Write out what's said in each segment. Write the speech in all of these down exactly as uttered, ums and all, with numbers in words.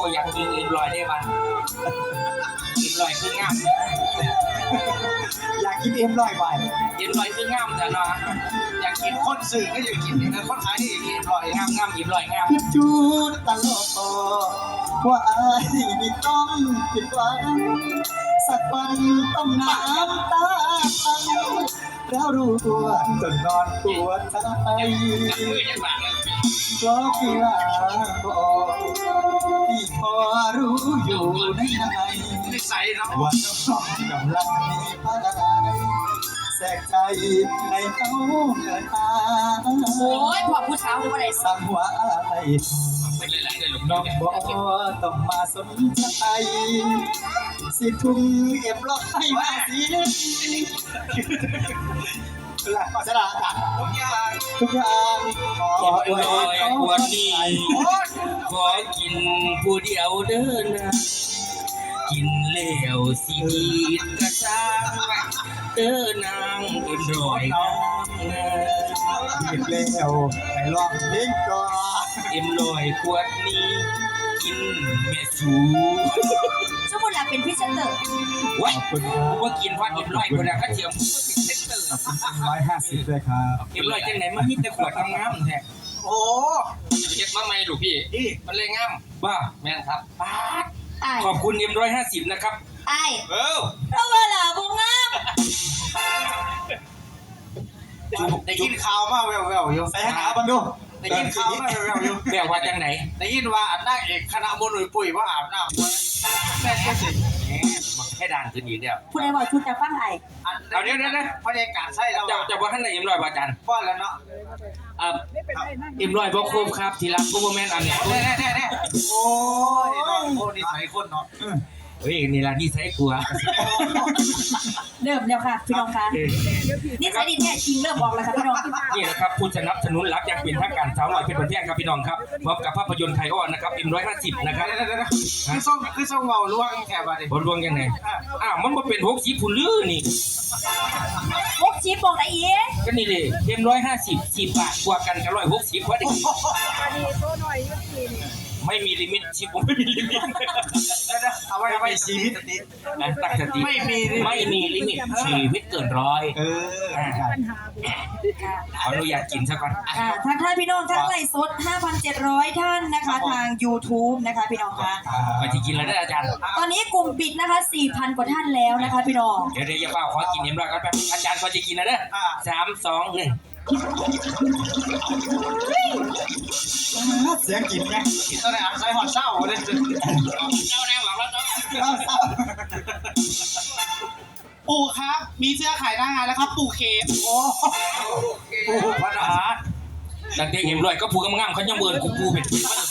อยากกินเอ็นลอยได้บ้างเอ็นลอยคืองามอยากกินเอ็มร้อยใบเอ็นลอยคืองามแต่เนาะอยากกินคนสื่อก็อยากกินแต่คนขายนี่อยากกินเอ็นลอยงามงามเอ็นลอยงามพิจูดตลอดว่าอายนี่ต้องผิดหวังสักวันต้องน้ำตาพังแล้วรู้ตัวจนนอนปวดใจเพราะกีฬาบอกที่พอรู้อยู่ในในนิสัยเนาะว่าน้องกำลังมีพลังแสกใจให้เขาเกิดตาโอ้ยพอผู้สาวดูอะไรสั่งว่าไอ้เป็นหลายๆเลยลูกน้องบอกต้องมาสนใจสิทุ่งเอ็มล็อกให้มาสิหลักสระกันทุกอย่างทุกอย่างขออวยขวดนี้ขอกินผู้เดียวเดินนะกินแล้วสิดีกระซ้างเดินนางเอ็นรอยนางกินแล้วไปลองเพลงก่อนเอ็มลอยขวดนี้กินเมสูสมมติเราเป็นพิเศษเตอร์ว้ายผมว่ากินพอเอ็มลอยคนละก็เทียมผมก็เป็นเซนเตอร์ร้อยห้าสิบเลยครับเอ็มลอยจังไหนมันมีแต่ขวดงามๆแท้โอ้เก็บมาใหม่ลูกพี่มันเลยงามบ้าแม่นครับป๊าดขอบคุณเอ็มร้อยห้าสิบนะครับไอ้เออเพราะว่าหล่ะบงงามได้ยินข่าวมาแววๆอยู่ใส่หาบันดูได้ยินข่าวมาแววๆอยู่แววว่าจังไหนได้ยินว่าอันนักเอกคณะมนุษย์ปุ๋ยว่าอาบน้ำแม่แค่สิให้ดังขึ้นอีกเดียวผู้ใดบอกชุดจะฟังไอ้เอาเดี๋ยวเดี๋ยวนะบรรยากาศใช่แล้วจะจะว่าท่านไหนเอ็มร้อยบาจันป้อนแล้วเนาะเอ่อเอ็มร้อยบอกโคมครับทีละโคมแมนอันเนี้ยแน่แน่แน่โอ้ยโอ้นี่ใส่คนเนาะเฮ้ยนี่ละนี่ใส่กลัวเริ่มแล้วค่ะพี่น้องคะนี่ใส่ดินแท้จริงเริ่มบอกแล้วครับพี่น้องนี่นะครับผู้สนับสนุนหลักอย่างเป็นทางการสาวน้อยเป็นประเทศครับพี่น้องครับพร้อมกับภาพยนตร์ไทยอ้อนนะครับเอ็มร้อยห้าสิบนะครับคือส่งคือส่งเบาล่วงแค่บาดนี้บอลล่วงยังไงอ้าวมันมาเป็นหกสิบผู้ลื้อนี่หกสิบบอกได้อีกก็นี่เลยเอ็มร้อยห้าสิบสิบบาทกว่ากันกับร้อยหกสิบพอดีไม่มีลิมิตชีวิตไม่มีลิมิตเอาไว้เอาไว้ชีวิตนะตั้งสติไม่มีไม่มีลิมิตชีวิตเกินร้อยเออขออนุญาตกินซะก่อนทางท่านพี่น้องทั้งไลฟ์สด ห้าพันเจ็ดร้อย ท่านนะคะทาง YouTube นะคะพี่น้องคะไปที่กินแล้วได้อาจารย์ตอนนี้กลุ่มปิดนะคะ สี่พัน กว่าท่านแล้วนะคะพี่น้องเดี๋ยวเดี๋ยวอย่าเปล่าขอกินเอ็มร้อยก่อนแป๊บอาจารย์ก็จะกินนะเด้อสามสองหนึ่งเสียงกินไงกินตอนไหนอ่ะใส่หอดเศร้าเลยเจ้าแน่หวังแล้วเจ้าปู่ครับมีเสื้อขายหน้างานแล้วครับปู่เคฟโอ้ปู่พัฒนาดังเด็กเอ็มร้อยก็พูดงามๆเขายังเบิร์นกูปูเป็น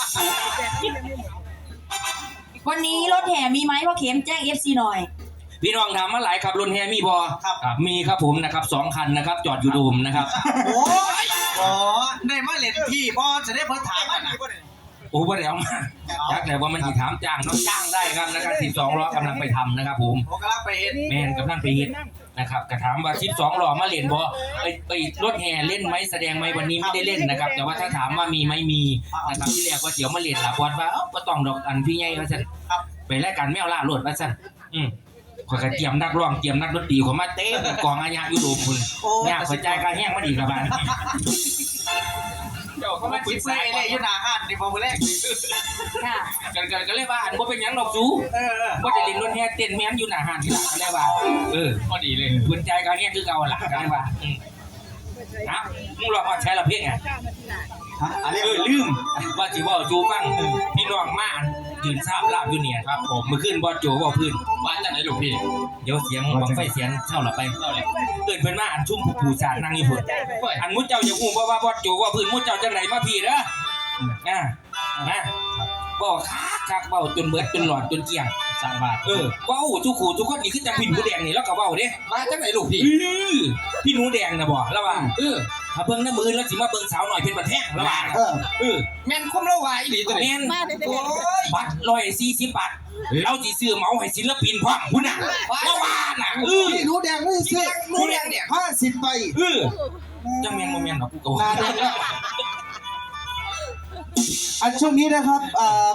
วันนี้รถแห่มีไหมพ่อเข็มแจ้ง เอฟ ซี หน่อยพี่น้องถามมาหลายครับรถแห่มีบอครับมีครับผมนะครับสองคันนะครับจอดอยู่โดมนะครับโอ้ยอ๋อได้มาเล่นพี่บอจะได้เพิ่งถามกันนะโอ้บ่ได้เอามาอยากแต่ว่ามันจะถามจ้างน้องจ้างได้ครับนะครับสิบสองล้อกำลังไปทำนะครับผมกำลังไปเห็นแมนกำลังไปเห็นนะครับกระถามว่าสิบสองล้อมาเล่นบอไปไปรถแห่เล่นไหมแสดงไหมวันนี้ไม่ได้เล่นนะครับแต่ว่าถ้าถามว่ามีไหมมีนะครับที่แรกว่าเดี๋ยวมาเล่นหลับวัดว่าเอ้าก็ต้องดอกอันพี่ใหญ่ว่าสั่นไปรายการแมวล่าโลดว่าสั่นอืมขอยกระเตรียมนักร้องเตรียมนักดนตรีของมาเต้กองอาญาอยู่โดมคุณเนี่ยขอยใจกระแห้งมาดีกับบ้านเจ้าเขามาคุยเซ่เลยยุนาฮันในพอมือแรกค่ะกันกันก็เลยว่าอันว่าเป็นยังดอกซูว่าจะเล่นรถแห่เต้นแม่นอยู่หน้าฮันที่หลังก็เลยว่าเออพอดีเลยคุณใจกระแห้งคือเก่าหลังก็เลยว่านะมึงรอมาใช้ละเพียงไงเออลืมว่าจีว่าจูฟังพี่น้องมายืนซ้ำลาบอยู่เนี่ยครับผมมือขึ้นบอสโจว่าพื้นว่าจากไหนลูกพี่เดี๋ยวเสียงบังไฟเสียงเช่าหลับไปเท่าไหร่เกิดเพื่อนมาอันชุ่มผู้ผู้ชาตินั่งญี่ปุ่นอันมุดเจ้าอย่าอุ้มว่าว่าบอสโจว่าพื้นมุดเจ้าจังไหนมาพี่เด้ออ่านะบอกคักคักเบาจนเบิดจนหลอดจนเกี่ยงสร้างบาทเออว้าวทุกขู่ทุกคนนี่ขึ้นจากพี่หนูแดงนี่แล้วก็เบาเด้มาจากไหนลูกพี่พี่หนูแดงนะบอกแล้วว่าเออถ้าเบิ่งน้ำมือแล้วสิมาเบิ่งสาวหน่อยเป็นบัดแห้งแล้วว่าเออเออแม่นคุ้มแล้ววายหรือตัวแม่นบัตรร้อยสี่สิบบาทเราจีซื้อเมาให้ศิลปินพร้อมคุณน่ะแล้วว่าน่ะเออพี่หนูแดงไม่ซื้อหนูแดงเนี่ยห้าสิบใบเออจังแม่นโมเมนต์ของกูก็อันช่วงนี้นะครับ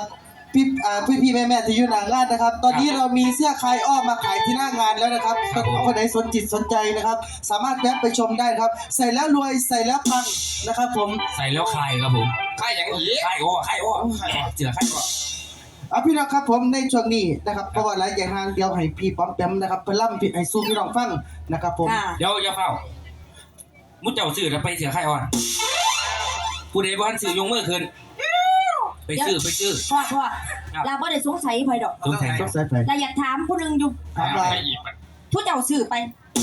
พี่อ่าพี่พี่แม่แม่ที่อยู่หน้างานนะครับ ตอนนี้เรามีเสื้อคลายอ้อมมาขายที่หน้างานแล้วนะครับคนไหนสนจิตสนใจนะครับ สามารถแวะไปชมได้ครับ ใส่แล้วรวยใส่แล้วปังนะครับผมใส่แล้วคายครับผมใครอย่างนี้คายโอ้คายโอ้เจือคายโอ้เอาพี่น้องครับผมในช่วงนี้นะครับเพราะว่าหลายอย่างทางเดียวให้พี่ป้อมแปมนะครับไปล่ำให้สู้พี่น้องฟังนะครับผมค่ะเดี๋ยวอย่าเฝ้ามุดเจ้าซื้อแล้วไปเสือคายอ่อนผู้ใดบ้านซื้อยงมือขึ้นไปซื้อไปซื้อพ่อพ่อลาบ่ได้สงสัยไผดอกสงสัยต้องใส่ไปลาอยากถามผู้หนึงอยู่ถามว่าไม่อีกทุกเจ้าซื้อไป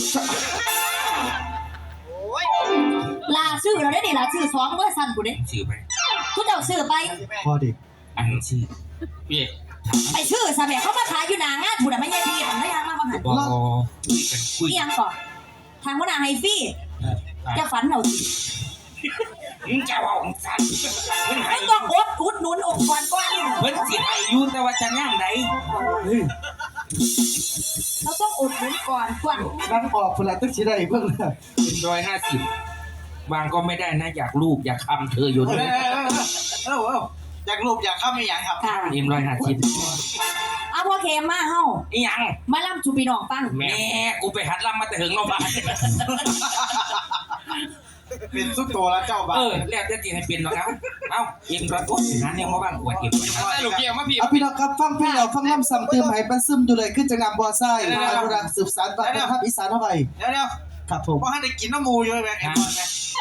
โอ้ยลาซื้อเราได้ดิลาซื้อสองเบอร์สั่นผู้เด้ซื้อไปทุกเจ้าซื้อไปพอดีอันซื้อพี่ไปซื้อซะแม่เขามาขายอยู่หน้างานผู้น่ะไม่ใช่พี่ทำได้ยังมาบ่หันบอคุยกันคุยอีหยังก่อนทางหัวหน้าให้ฟรีจะฝันเอาสิมึงจะว่าของสันมันให้ไม่ต้องอดอุดหนุนองค์กรก่อนเพิ่นสิให้อยูแต่ว่าจะย่างใดเราต้องอุดหนุนก่อนก่อนนั่งออกคนละตึกชิได้เพิ่งเลยเป็นร้อยห้าสิบบางก็ไม่ได้นะอยากรูปอยากคำเธออยู่เอนี่อเออเอออยากรูปอยากเข้าไม่อยากครับค่ะเอ็มร้อยห้าสิบเอาพ่อเคมมาเฮาอีหยังมาล่ำจูพี่น้องฟังแม่กูไปหัดลำมาแต่ถึงโรงพยาบาลเป็นสุดโตแล้วเจ้าบ้าเออแล้วจะตีให้เป็นหรอกครับเอ้าเอ็มร้อยโอ้ยหาเนี่ยมาบ้างอวดเอ็มได้ลูกเกี่ยวมาพี่เอาพี่น้องครับฟังพี่เราฟังล่ำซ้ำเติมให้มันซึมอยู่เลยขึ้นจากน้ำบัวไส้อนุรักษ์สืบสานวัฒนธรรมอีสานเข้าไปเดี๋ยวเดี๋ยวครับผมเพราะให้ได้กินน้ำมูอยู่ไหมไอ้บอลไหม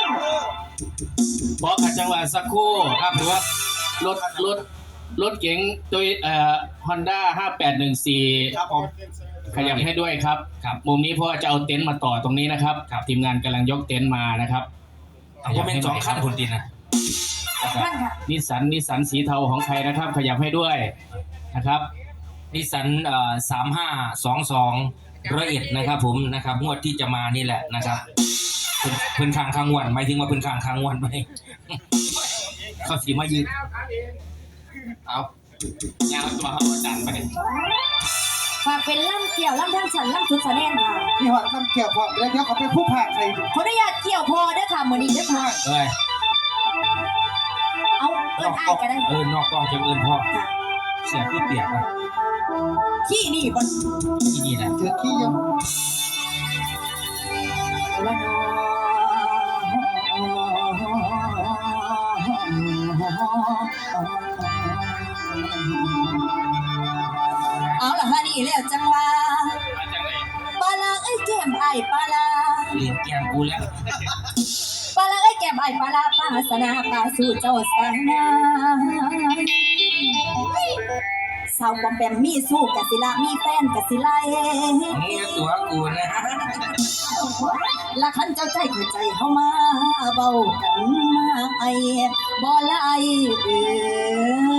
บอกขัดจังหวะสักครู่ครับหรือว่ารถรถรถเก๋งตัวเอ่อฮอนด้าห้าแปดหนึ่งสี่ครับผมขยับให้ด้วยครับครับมุมนี้เพราะว่าจะเอาเต็นท์มาต่อตรงนี้นะครับครับทีมงานกำลังยกเต็นท์มานะครับเอาก็เป็นสองขั้นคนดินนะท่านค่ะนิสสันนิสสันสีเทาของใครนะครับ ขยับให้ด้วยนะครับนิสสันเอ่อสามห้าสองสองร้อยเอ็ดนะครับผมนะครับงวดที่จะมานี่แหละนะครับเพิ่นเพิ่นข้างข้างวันหมายถึงว่าเพิ่นข้างข้างวันไหม เขาสีมายืนเอายาวตัวเขาจันไปฝากเป็นล่ำเกี่ยวล่ำทั้งฉันล่ำชุดแสดงค่ะพี่หอดน้ำเกี่ยวพร้อมแล้วเดี๋ยวเขาเป็นผู้ผ่าใครขออนุญาตเกี่ยวพอเด้อค่ะมื้อนี้เด้อค่ะเอ้ยเอาเอิ้นอ้ายก็ได้เออนอกกล้องจะเอินพ่อค่ะเสียคือเปียกนะขี้นี่บ่ที่นี่นะเจอขี้ยังละนอเอาล่ะฮะนี่แล้วจังว่าปลาลาเอ้ยแก้มอ้ายปลาลาเรียนแกงกูแล้วปลาลาเอ้ยแก้มอ้ายปลาลาปาสนาปาสู่เจ้าสานาสาวปอมแปมมีสู้กะสิละมีแฟนกะสิไลนี่ตัวกูนะละคันเจ้าใจเข้าใจเข้ามาเบากันมาไอ้บ่ละไอเออ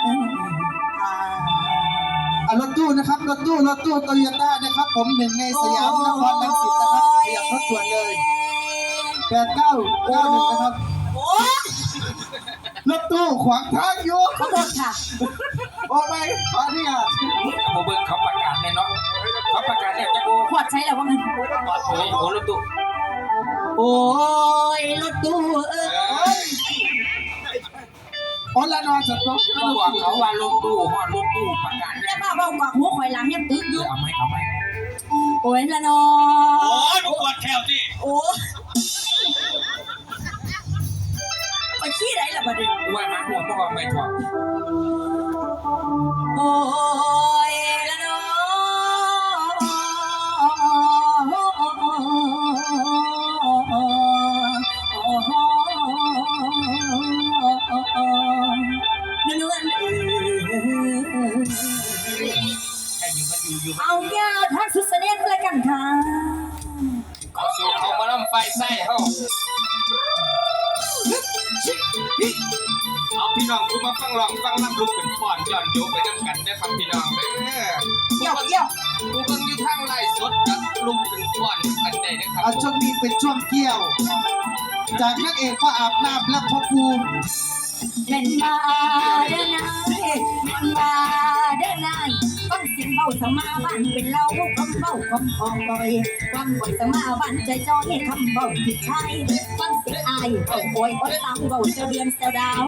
อ่ะรถตู้นะครับรถตู้รถตู้โตโยต้านะครับ ผมหนึ่งในสยามนครลังสิตนะครับขยับรถด่วนเลยแปดเก้าเก้าหนึ่งนะครับโอ้ยรถตู้ขวางทางอยู่ขอโทษค่ะออกไปขออนุญาตเอาเบิ้งเขาประกาศแน่เนาะเขาประกาศเนี่ยจะกูขวดใช้แล้วว่างั้นโอ้ยโอ้รถตู้โอ้ยรถตู้เอ้ยอ๋อละนอนจะต้องเขาบอกเขาว่ารถตู้ฮอดรถตู้ประกาศแม่ป้าเบากว่าหัวข่อยหลังยังตึกอยู่เอาไหมเอาไหมโอ้ยละนอโอ้ยมึงปวดแขวสิโอ้ยไปขี้ไหนล่ะบัดนี้ว่าหาหัวพวกเราไม่ถอดโอ้ยละนอนวลเออให้อยู่มันอยู่อยู่เอายาวทักสุดเสน่ห์เลยกันค่ะเอาสูตรเขามาล่ำไฟไส้เขาเอาพี่น้องกูมาฟังลองฟังน้ำลุกเป็นฟอนย้อนโยไปด้วยกันนะครับพี่น้องเด้อเกี่ยวเกี่ยวกูเบิ่งอยู่ทางไลฟ์สดกับลุกเป็นฟอนกันได้นะครับเอาช่วงนี้เป็นช่วงเกี่ยว จากนักเอกก็อาบน้ำและพ่อภูมิเล่นมาเด้อนายเล่นมาเด้อนายฟังเสียงเบาสมาบ้านเป็นเราคำเบาคำคองบ่อยฟังบ่อยสมาบ้านใจจอยคำเบาผิดใช่ฟังเสียงอายโอ้ยโอ้ยโอ้ยตามเบาเจ้าเดือนเจ้าดาว